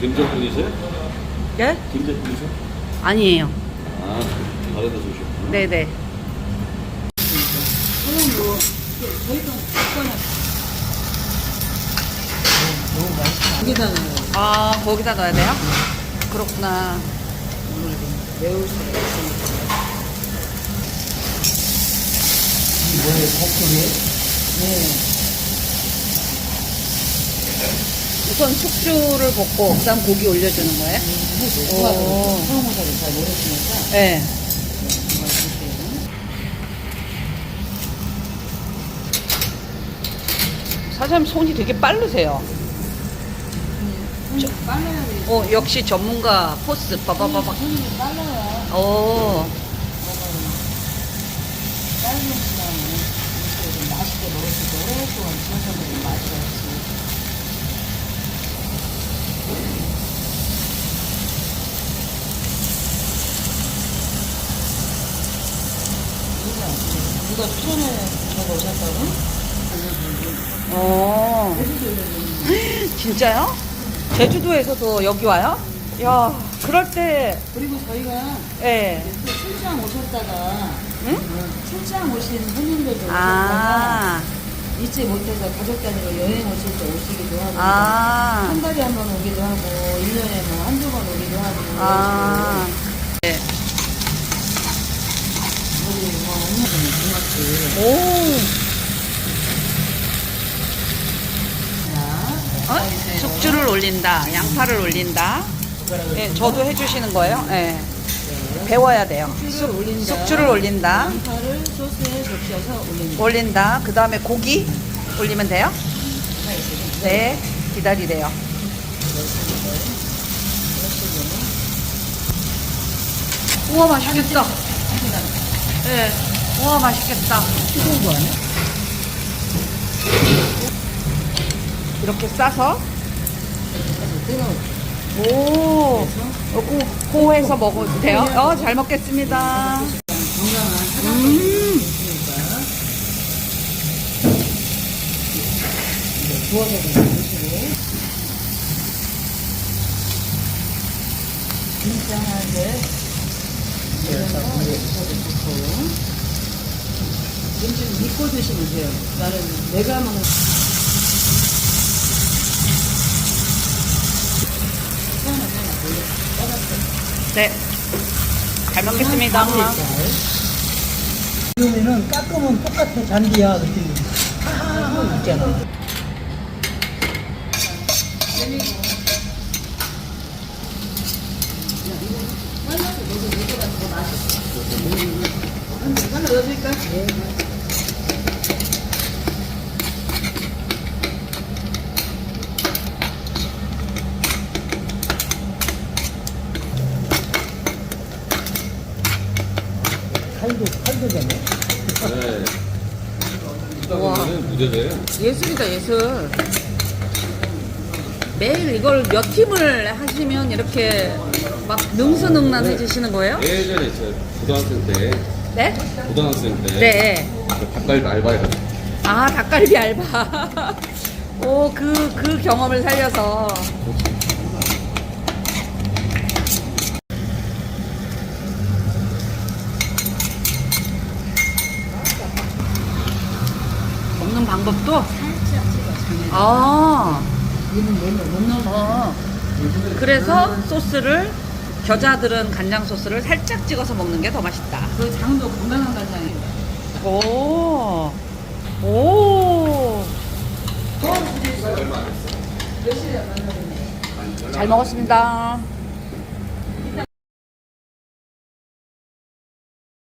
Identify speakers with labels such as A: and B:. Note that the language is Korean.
A: 김제 분이세요?
B: 예?
A: 김제 분이세요?
B: 아니에요.
A: 아, 다른 데서 오셨구나.
B: 네네.
C: 여기다 넣어요.
B: 아, 거기다 넣어야 돼요? 그렇구나.
C: 매울 수가 있으니까.
D: 뭐예요? 볶음이에요?
C: 네.
B: 우선 숙주를 볶고 그다음 고기 올려주는 거예요? 오.
C: 소금사를 잘 모르시니까.
B: 네.
C: 정말 드세요.
B: 사장님 손이 되게 빠르세요.
C: 손이 빨라야 돼.
B: 역시 전문가 포스 빠바바박.
C: 손이 빨라야.
B: 오.
C: 짧은 시간에 음식을 맛있게 먹을 수 있고 오랫동안 지어서 먹으면 맛이 없지. 누가 추천해 주고 오셨다고?
B: 진짜요? 제주도에서도 여기 와요? 야, 그럴 때,
C: 그리고 저희가
B: 예.
C: 또 출장 오셨다가
B: 응?
C: 출장 오신 손님들도 오셨다가
B: 아,
C: 잊지 못해서 가족 단위로 여행 오실 때 오시기도 하고
B: 아,
C: 한 달에 한 번 오기도 하고 1년에 뭐 한두 번 오기도 하고
B: 아. 네.
C: 우리 뭐 엄마들은 고맙지.
B: 오.
C: 자,
B: 숙주를 올린다, 양파를 올린다. 예, 저도 해주시는 거예요? 예. 배워야 돼요.
C: 숙주를 올린다.
B: 숙주를 올린다.
C: 양파를 소스에 적셔서 올린다.
B: 올린다. 그 다음에 고기 올리면 돼요? 네, 기다리래요. 우와, 맛있겠다. 네, 우와, 맛있겠다.
C: 뜨거운 거 아니야?
B: 이렇게 싸서,
C: 뜨거워.
B: 오, 고해서 먹어도 돼요? 잘 먹겠습니다.
C: 건강한
B: 음,
C: 있으니까 이제 구워서 드시고 김장하게 좋고 김치는 믿고 드시면 돼요. 나는 내가 먹는
B: 네. 잘 먹겠습니다.
D: 지금에는 깎으면 똑같아 잔디야 그랬더니 하하하 있잖아.
C: 하나 넣어줄까?
D: 칼도 되네.
A: 네.
B: 우와.
A: 수다보면은 무대돼요.
B: 예술이다, 예술. 매일 이걸 몇 팀을 하시면 이렇게 막 능수능란해지시는 거예요?
A: 예전에 저 고등학생 때,
B: 네? 네.
A: 닭갈비 알바해가지고.
B: 아, 닭갈비 알바. 오, 그 경험을 살려서. 먹는 방법도?
C: 살짝 찍어.
B: 아,
C: 얘는 못 넣어.
B: 그래서 소스를, 겨자들은 간장 소스를 살짝 찍어서 먹는 게 더 맛있다.
C: 그 장도 건강한 간장이에요.
B: 오, 오. 잘 먹었습니다.